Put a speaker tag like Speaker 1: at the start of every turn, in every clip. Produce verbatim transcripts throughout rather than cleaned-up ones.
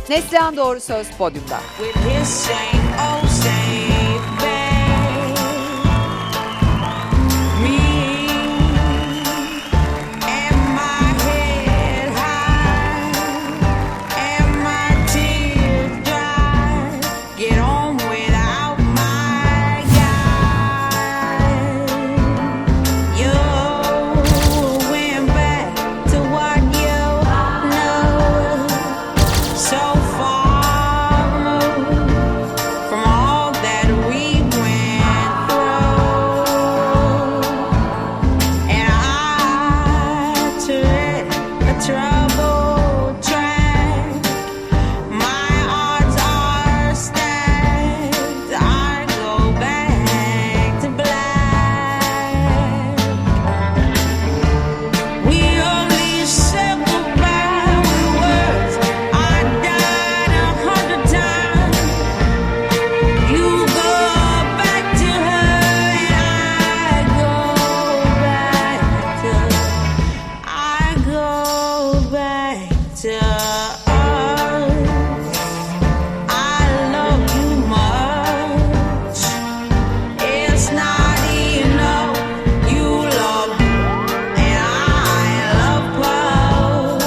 Speaker 1: Neslihan Doğru Söz podyumda.
Speaker 2: With his same old same bed. Me and my head high and my tears dry. Get on without my guy. You went back to what you know. So far removed from all that we went through, and I tread a troubled track. My odds are stacked. I go back to black. We only said goodbye with words. I died a hundred times. You go back to her, and I go back to. I go back to us. I love you much. It's not enough. You love and I love both.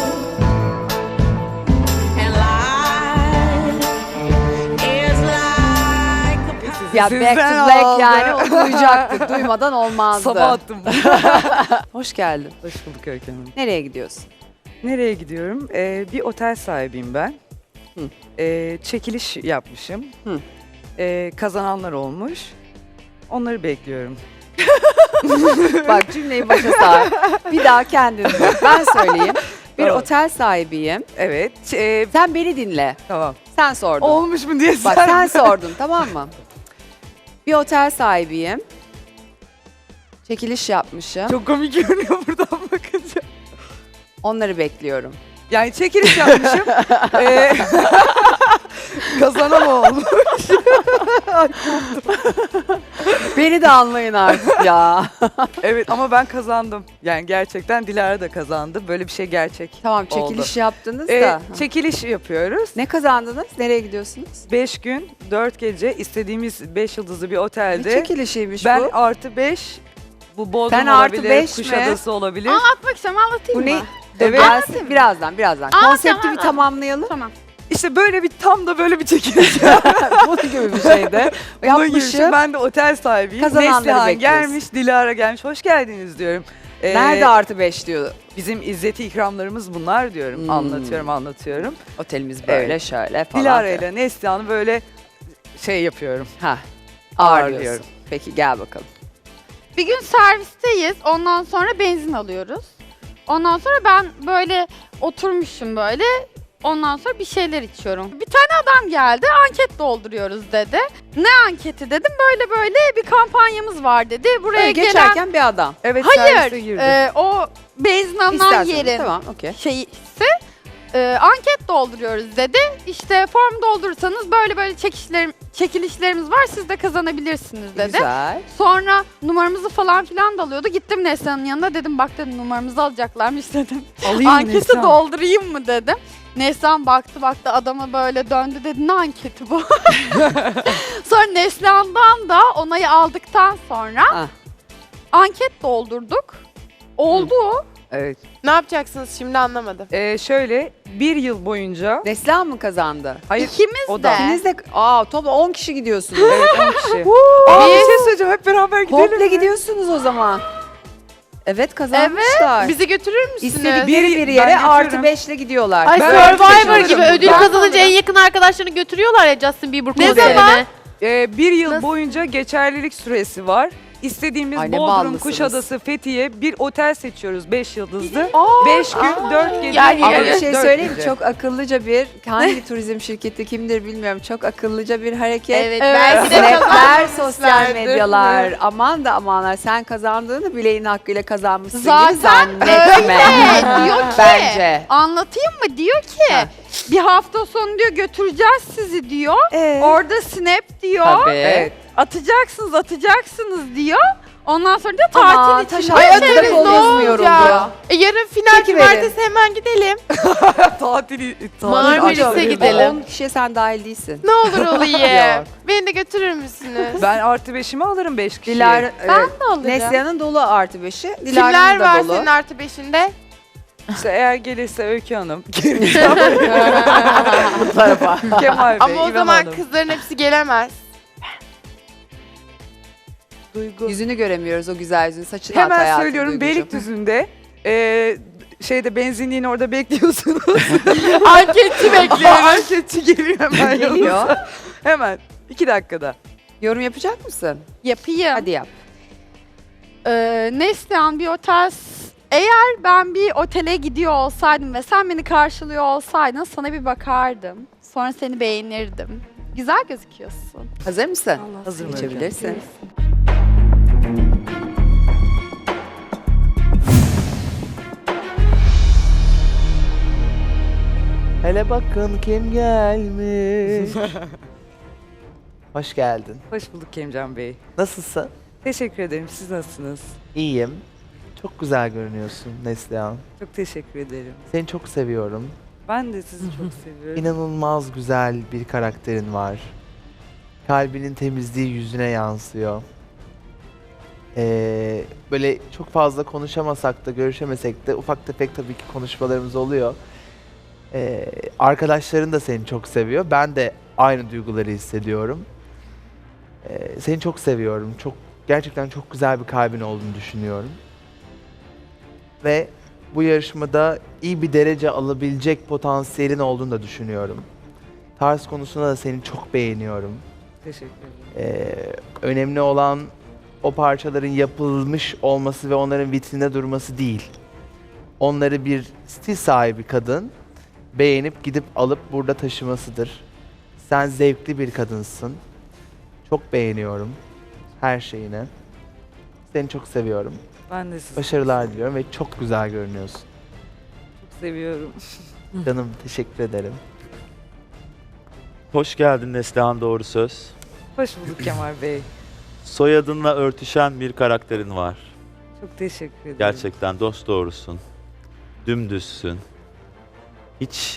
Speaker 2: And life is like a
Speaker 1: Ya
Speaker 3: Sizden
Speaker 1: Back to Black
Speaker 3: aldı.
Speaker 1: yani o duyacaktık. Duymadan olmazdı.
Speaker 3: Sabah attım.
Speaker 1: Hoş geldin.
Speaker 3: Hoş bulduk Öykü Hanım.
Speaker 1: Nereye gidiyorsun?
Speaker 3: Nereye gidiyorum? Ee, bir otel sahibiyim ben.
Speaker 1: Hı.
Speaker 3: Ee, çekiliş yapmışım.
Speaker 1: Hı.
Speaker 3: Ee, kazananlar olmuş. Onları bekliyorum.
Speaker 1: Bak cümleyi başa sar. Bir daha kendin dur. Ben söyleyeyim. Bir
Speaker 3: Tamam.
Speaker 1: otel sahibiyim.
Speaker 3: Evet. Ee,
Speaker 1: Sen beni dinle.
Speaker 3: tamam.
Speaker 1: Sen sordun.
Speaker 3: Olmuş mu diye
Speaker 1: Bak
Speaker 3: sen-
Speaker 1: sen sordun tamam mı? Bir otel sahibiyim. Çekiliş yapmışım.
Speaker 3: Çok komik görünüyor buradan bakınca.
Speaker 1: Onları bekliyorum.
Speaker 3: Yani çekiliş yapmışım. ee, kazanan olmuş.
Speaker 1: Beni de anlayın artık ya.
Speaker 3: Evet ama ben kazandım. Yani gerçekten Dilara da kazandı. Böyle bir şey gerçek.
Speaker 1: Tamam çekiliş
Speaker 3: oldu.
Speaker 1: yaptınız
Speaker 3: Ee,
Speaker 1: da.
Speaker 3: çekiliş yapıyoruz.
Speaker 1: Ne kazandınız? Nereye gidiyorsunuz?
Speaker 3: Beş gün, dört gece istediğimiz beş yıldızlı bir
Speaker 1: Ne
Speaker 3: otelde.
Speaker 1: çekilişiymiş
Speaker 3: Ben
Speaker 1: bu?
Speaker 3: artı beş, bu Bodrum
Speaker 1: Sen artı
Speaker 3: olabilir,
Speaker 1: beş mi?
Speaker 3: Kuşadası olabilir.
Speaker 4: Anlatmak istiyorum, anlatayım
Speaker 1: Bu ne?
Speaker 4: mı?
Speaker 3: Evet.
Speaker 1: Gelsin birazdan birazdan.
Speaker 4: Aa,
Speaker 1: Konsepti
Speaker 4: tamam.
Speaker 1: bir tamamlayalım.
Speaker 4: Tamam.
Speaker 3: İşte böyle bir tam da böyle bir çekiliş.
Speaker 1: Bunun gibi bir şeyde.
Speaker 3: Bunun gibi bir şey.
Speaker 1: Yapmışım.
Speaker 3: Ben de otel sahibiyim.
Speaker 1: Kazananları
Speaker 3: Neslihan
Speaker 1: bekliyoruz.
Speaker 3: gelmiş, Dilara gelmiş. Hoş geldiniz diyorum. Ee,
Speaker 1: Nerede artı beş diyor.
Speaker 3: Bizim izzeti ikramlarımız bunlar diyorum.
Speaker 1: Hmm.
Speaker 3: Anlatıyorum, anlatıyorum.
Speaker 1: Otelimiz böyle
Speaker 3: Evet.
Speaker 1: şöyle falan.
Speaker 3: Dilara ile Neslihan'ı böyle şey yapıyorum.
Speaker 1: Ha.
Speaker 3: Ağırlıyorum.
Speaker 1: Ağırlıyorsun. Peki gel bakalım.
Speaker 4: Bir gün servisteyiz, ondan sonra benzin alıyoruz. Ondan sonra ben böyle oturmuşum böyle, ondan sonra bir şeyler içiyorum. Bir tane adam geldi, anket dolduruyoruz dedi. Ne anketi dedim, böyle böyle bir kampanyamız var dedi. Buraya
Speaker 1: Böyle
Speaker 4: gelen...
Speaker 1: geçerken bir adam.
Speaker 3: Evet, servise
Speaker 4: Hayır,
Speaker 3: girdim.
Speaker 4: e, o benzin alınan
Speaker 1: İsterseniz
Speaker 4: yerin
Speaker 1: tamam okey.
Speaker 4: şeyi ise e, anket dolduruyoruz dedi. İşte form doldurursanız böyle böyle çekişlerim, çekilişlerimiz var, siz de kazanabilirsiniz dedi.
Speaker 1: Güzel.
Speaker 4: Sonra numaramızı falan filan da alıyordu. Gittim Neslihan'ın yanına, dedim bak dedim numaramızı alacaklarmış dedim.
Speaker 3: Alayım mı
Speaker 4: Anketi
Speaker 3: Neslihan?
Speaker 4: doldurayım mı dedim. Neslihan baktı baktı adama böyle döndü, dedi ne anketi bu? Sonra Neslihan'dan da onayı aldıktan sonra
Speaker 1: Ah.
Speaker 4: anket doldurduk. Oldu.
Speaker 3: Evet.
Speaker 5: Ne yapacaksınız şimdi anlamadım.
Speaker 3: Ee, şöyle bir yıl boyunca...
Speaker 1: Neslihan mı kazandı?
Speaker 3: Hayır,
Speaker 4: İkimiz
Speaker 3: o
Speaker 4: de.
Speaker 3: da.
Speaker 1: İkiniz de aa toplam on kişi gidiyorsunuz.
Speaker 3: Evet, on kişi. Aa, bir şey söyleyeceğim. Hep beraber gidelim
Speaker 1: Komple
Speaker 3: mi?
Speaker 1: gidiyorsunuz o zaman. Evet kazanmışlar.
Speaker 5: Bizi götürür müsünüz?
Speaker 1: İstedikleri
Speaker 3: Bir-
Speaker 1: bir
Speaker 3: ben
Speaker 1: yere
Speaker 3: götürürüm.
Speaker 1: artı beşle gidiyorlar.
Speaker 5: Ay
Speaker 3: Ben
Speaker 5: Survivor
Speaker 3: kaçırırım.
Speaker 5: gibi ödül
Speaker 3: Ben
Speaker 5: kazanınca en yakın arkadaşlarını götürüyorlar ya Justin Bieber
Speaker 4: Ne
Speaker 5: konserine.
Speaker 4: zaman?
Speaker 3: Ee, bir yıl
Speaker 5: Nasıl?
Speaker 3: boyunca geçerlilik süresi var. İstediğimiz
Speaker 1: Ay, ne
Speaker 3: Bodrum,
Speaker 1: ballısınız.
Speaker 3: Kuşadası, Fethiye bir otel seçiyoruz beş yıldızlı.
Speaker 4: Aa,
Speaker 3: beş gün, dört gece.
Speaker 5: Yani-
Speaker 1: Ama bir
Speaker 5: Evet,
Speaker 1: şey
Speaker 3: dört
Speaker 1: söyleyeyim mi?
Speaker 3: gece.
Speaker 1: Çok akıllıca bir, hangi turizm şirketi kimdir bilmiyorum. Çok akıllıca bir hareket.
Speaker 5: Evet,
Speaker 4: Evet.
Speaker 5: belki de
Speaker 1: Snapler,
Speaker 5: kazanmışlardır.
Speaker 1: sosyal medyalar. Aman da amanlar sen kazandığını bileğin hakkıyla kazanmışsın gibi
Speaker 4: Zaten
Speaker 1: zannetme.
Speaker 4: öyle. Diyor ki,
Speaker 1: Bence.
Speaker 4: anlatayım mı? Diyor ki
Speaker 1: Ha.
Speaker 4: bir hafta sonu diyor götüreceğiz sizi diyor.
Speaker 1: Ee?
Speaker 4: Orada snap diyor.
Speaker 1: Tabii.
Speaker 3: Evet.
Speaker 4: Atacaksınız atacaksınız diyor. Ondan sonra da
Speaker 1: Ama
Speaker 4: tatil
Speaker 1: taş
Speaker 4: için.
Speaker 1: altında
Speaker 4: Ay,
Speaker 1: kol
Speaker 4: evet,
Speaker 1: gezmiyorum
Speaker 5: olacak?
Speaker 1: diyor.
Speaker 5: E, yarın final
Speaker 1: Çekiverin.
Speaker 5: cumartesi hemen gidelim.
Speaker 3: Tatili,
Speaker 5: Marmaris'e
Speaker 3: tatil-
Speaker 5: gidelim.
Speaker 1: on kişiye sen dahil değilsin.
Speaker 5: Ne olur olayım.
Speaker 1: Yok.
Speaker 5: Beni de götürür müsünüz?
Speaker 3: Ben artı beşimi alırım beş kişiye.
Speaker 1: Dilara,
Speaker 4: Ben
Speaker 1: e,
Speaker 4: de alırım.
Speaker 1: Neslihan'ın dolu artı beşi.
Speaker 5: Kimler
Speaker 1: Dilara'nın
Speaker 5: var
Speaker 1: da dolu.
Speaker 5: senin artı beşinde?
Speaker 3: İşte eğer gelirse Öykü Hanım,
Speaker 1: Bu tarafa.
Speaker 3: Kemal Bey,
Speaker 5: Ama o
Speaker 3: İvan
Speaker 5: zaman
Speaker 3: Hanım.
Speaker 5: kızların hepsi gelemez.
Speaker 3: Duygu.
Speaker 1: Yüzünü göremiyoruz o güzel yüzünü. Saçını at
Speaker 3: Hemen
Speaker 1: hayatım
Speaker 3: söylüyorum
Speaker 1: Duygucuğum.
Speaker 3: Beylikdüzü'nde e, şeyde benzinliğin orada bekliyorsunuz.
Speaker 5: Anketçi bekliyoruz.
Speaker 3: Anketçi geliyor hemen
Speaker 1: Geliyor.
Speaker 3: yanınıza. Hemen iki dakikada.
Speaker 1: Yorum yapacak mısın?
Speaker 4: Yapayım.
Speaker 1: Hadi yap.
Speaker 4: Ee, Neslihan bir otel... Eğer ben bir otele gidiyor olsaydım ve sen beni karşılıyor olsaydın sana bir bakardım. Sonra seni beğenirdim. Güzel gözüküyorsun.
Speaker 1: Hazır mısın?
Speaker 3: Hazırım
Speaker 1: Geçebilirsin.
Speaker 6: Hele bakın kim gelmiş. Hoş geldin.
Speaker 3: Hoş bulduk Kemcan Bey.
Speaker 6: Nasılsın?
Speaker 3: Teşekkür ederim. Siz nasılsınız?
Speaker 6: İyiyim. Çok güzel görünüyorsun Neslihan.
Speaker 3: Çok teşekkür ederim.
Speaker 6: Seni çok seviyorum.
Speaker 3: Ben de sizi çok seviyorum.
Speaker 6: İnanılmaz güzel bir karakterin var. Kalbinin temizliği yüzüne yansıyor. Ee, böyle çok fazla konuşamasak da görüşemesek de ufak tefek tabii ki konuşmalarımız oluyor. Ee, arkadaşların da seni çok seviyor. Ben de aynı duyguları hissediyorum. Ee, seni çok seviyorum. Çok gerçekten çok güzel bir kalbin olduğunu düşünüyorum. Ve bu yarışmada iyi bir derece alabilecek potansiyelin olduğunu da düşünüyorum. Tarz konusunda da seni çok beğeniyorum.
Speaker 3: Teşekkür ederim.
Speaker 6: Ee, önemli olan o parçaların yapılmış olması ve onların vitrinde durması değil. Onları bir stil sahibi kadın beğenip gidip alıp burada taşımasıdır. Sen zevkli bir kadınsın. Çok beğeniyorum her şeyini. Seni çok seviyorum.
Speaker 3: Ben de sizi
Speaker 6: Başarılar diliyorum ve çok güzel görünüyorsun.
Speaker 3: çok seviyorum.
Speaker 6: Canım teşekkür ederim.
Speaker 7: Hoş geldin Neslihan Doğru Söz.
Speaker 3: Hoş bulduk Kemal Bey.
Speaker 7: Soyadınla örtüşen bir karakterin var.
Speaker 3: Çok teşekkür ederim.
Speaker 7: Gerçekten dost doğrusun. Dümdüzsün. Hiç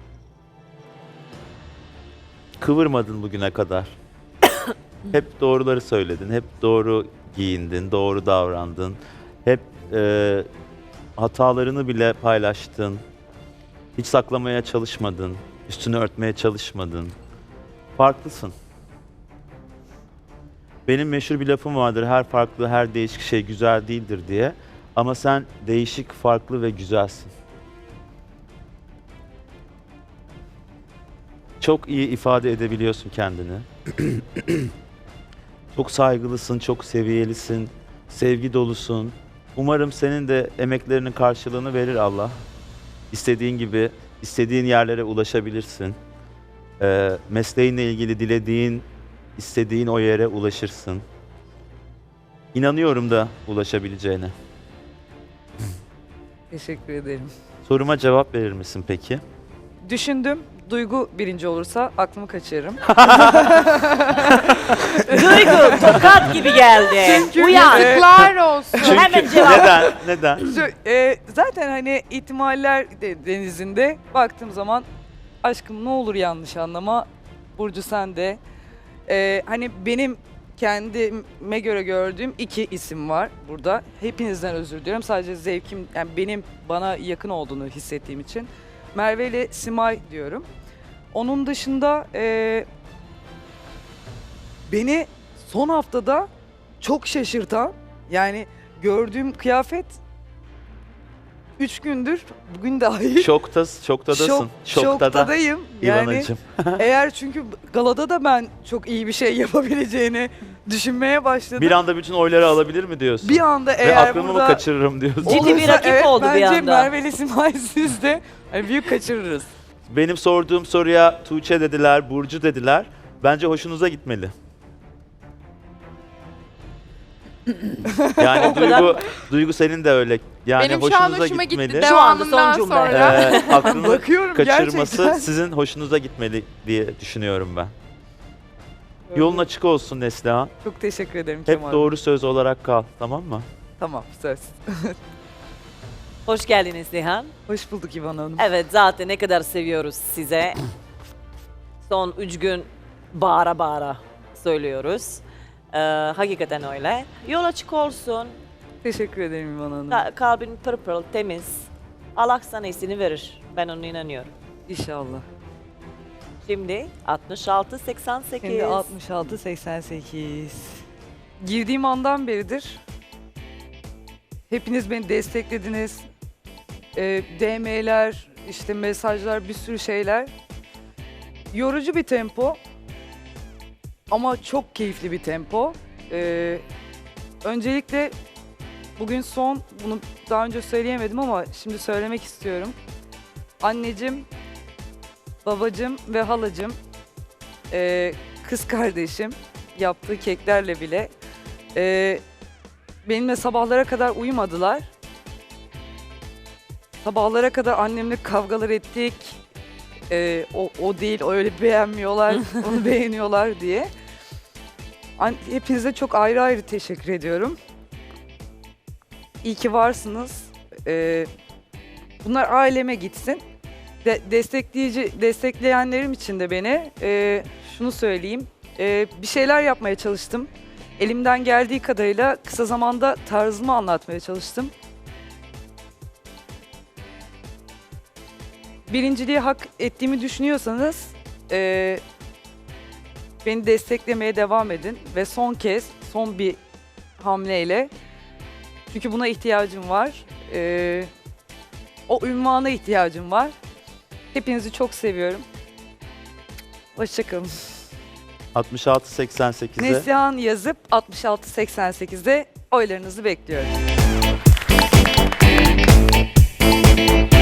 Speaker 7: kıvırmadın bugüne kadar. Hep doğruları söyledin, hep doğru giyindin, doğru davrandın. Hep e, hatalarını bile paylaştın. Hiç saklamaya çalışmadın, üstünü örtmeye çalışmadın. Farklısın. Benim meşhur bir lafım vardır, her farklı, her değişik şey güzel değildir diye. Ama sen değişik, farklı ve güzelsin. Çok iyi ifade edebiliyorsun kendini. Çok saygılısın, çok seviyelisin, sevgi dolusun. Umarım senin de emeklerinin karşılığını verir Allah. İstediğin gibi, istediğin yerlere ulaşabilirsin. Ee, mesleğinle ilgili dilediğin, istediğin o yere ulaşırsın. İnanıyorum da ulaşabileceğine.
Speaker 3: Teşekkür ederim.
Speaker 7: Soruma cevap verir misin peki?
Speaker 3: Düşündüm. Duygu birinci olursa aklımı kaçırırım.
Speaker 8: Duygu tokat gibi geldi.
Speaker 3: Çünkü-
Speaker 8: Uyan.
Speaker 5: Yazıklar olsun.
Speaker 8: Hemen cevap.
Speaker 7: Neden? Neden?
Speaker 3: Şu, e, zaten hani ihtimaller de- denizinde baktığım zaman aşkım ne olur yanlış anlama. Burcu sen de. E, hani benim kendime göre gördüğüm iki isim var burada. Hepinizden özür diliyorum. Sadece zevkim, yani benim bana yakın olduğunu hissettiğim için. Merve ile Simay diyorum. Onun dışında e, beni son haftada çok şaşırtan, yani gördüğüm kıyafet üç gündür bugün dahi
Speaker 7: Şokta, şoktadasın.
Speaker 3: şok,
Speaker 7: Şoktada.
Speaker 3: şoktadayım. Yani
Speaker 7: İvanacığım.
Speaker 3: eğer çünkü galada da ben çok iyi bir şey yapabileceğini düşünmeye başladım.
Speaker 7: Bir anda bütün oyları alabilir mi diyorsun?
Speaker 3: Bir anda
Speaker 7: Ve
Speaker 3: eğer
Speaker 7: aklımı
Speaker 3: burada
Speaker 7: mı kaçırırım diyorsun?
Speaker 8: Ciddi bir
Speaker 3: olursa
Speaker 8: rakip
Speaker 3: evet,
Speaker 8: oldu bir
Speaker 3: bence
Speaker 8: anda.
Speaker 3: Merve ile Simay siz de hani büyük kaçırırız.
Speaker 7: Benim sorduğum soruya Tuğçe dediler, Burcu dediler. Bence hoşunuza gitmeli. Yani Duygu, Duygu senin de öyle. Yani
Speaker 5: Benim şu an
Speaker 7: hoşunuza
Speaker 5: hoşuma gitti.
Speaker 7: gitmeli.
Speaker 8: Şu anda son
Speaker 5: Devamından
Speaker 8: cümle.
Speaker 5: sonra.
Speaker 7: Ee, aklını
Speaker 3: Bakıyorum
Speaker 7: kaçırması
Speaker 3: gerçekten.
Speaker 7: sizin hoşunuza gitmeli diye düşünüyorum ben. Yolun açık olsun Neslihan.
Speaker 3: Çok teşekkür ederim
Speaker 7: Hep
Speaker 3: Kemal Bey.
Speaker 7: doğru söz olarak kal, tamam mı?
Speaker 3: Tamam, söz.
Speaker 8: Hoş geldiniz Nihan.
Speaker 3: Hoş bulduk İvan Hanım.
Speaker 8: Evet zaten ne kadar seviyoruz size. Son üç gün bağıra bağıra söylüyoruz. Ee, hakikaten öyle. Yol açık olsun.
Speaker 3: Teşekkür ederim İvan Hanım.
Speaker 8: Ka- kalbin pırıl pırıl temiz. Allah sana iyisini verir. Ben ona inanıyorum.
Speaker 3: İnşallah.
Speaker 8: Şimdi altmış altı seksen sekiz.
Speaker 3: Şimdi altmış altı seksen sekiz. Girdiğim andan beridir hepiniz beni desteklediniz. Ee, D M'ler, işte mesajlar, bir sürü şeyler. Yorucu bir tempo ama çok keyifli bir tempo. Ee, öncelikle bugün son, bunu daha önce söyleyemedim ama şimdi söylemek istiyorum. Anneciğim, babacığım ve halacığım, ee, kız kardeşim yaptığı keklerle bile ee, benimle sabahlara kadar uyumadılar. Sabahlara kadar annemle kavgalar ettik. Ee, o, o değil, o öyle beğenmiyorlar, onu beğeniyorlar diye. An- Hepinize çok ayrı ayrı teşekkür ediyorum. İyi ki varsınız. Ee, bunlar aileme gitsin. De- destekleyici, destekleyenlerim için de beni ee, şunu söyleyeyim. Ee, bir şeyler yapmaya çalıştım. Elimden geldiği kadarıyla kısa zamanda tarzımı anlatmaya çalıştım. Birinciliği hak ettiğimi düşünüyorsanız eee, beni desteklemeye devam edin ve son kez son bir hamleyle, çünkü buna ihtiyacım var. Eee, o ünvana ihtiyacım var. Hepinizi çok seviyorum. Hoşçakalın.
Speaker 7: altmış altı seksen sekize.
Speaker 3: Neslihan yazıp altmış altı seksen sekizde oylarınızı bekliyorum.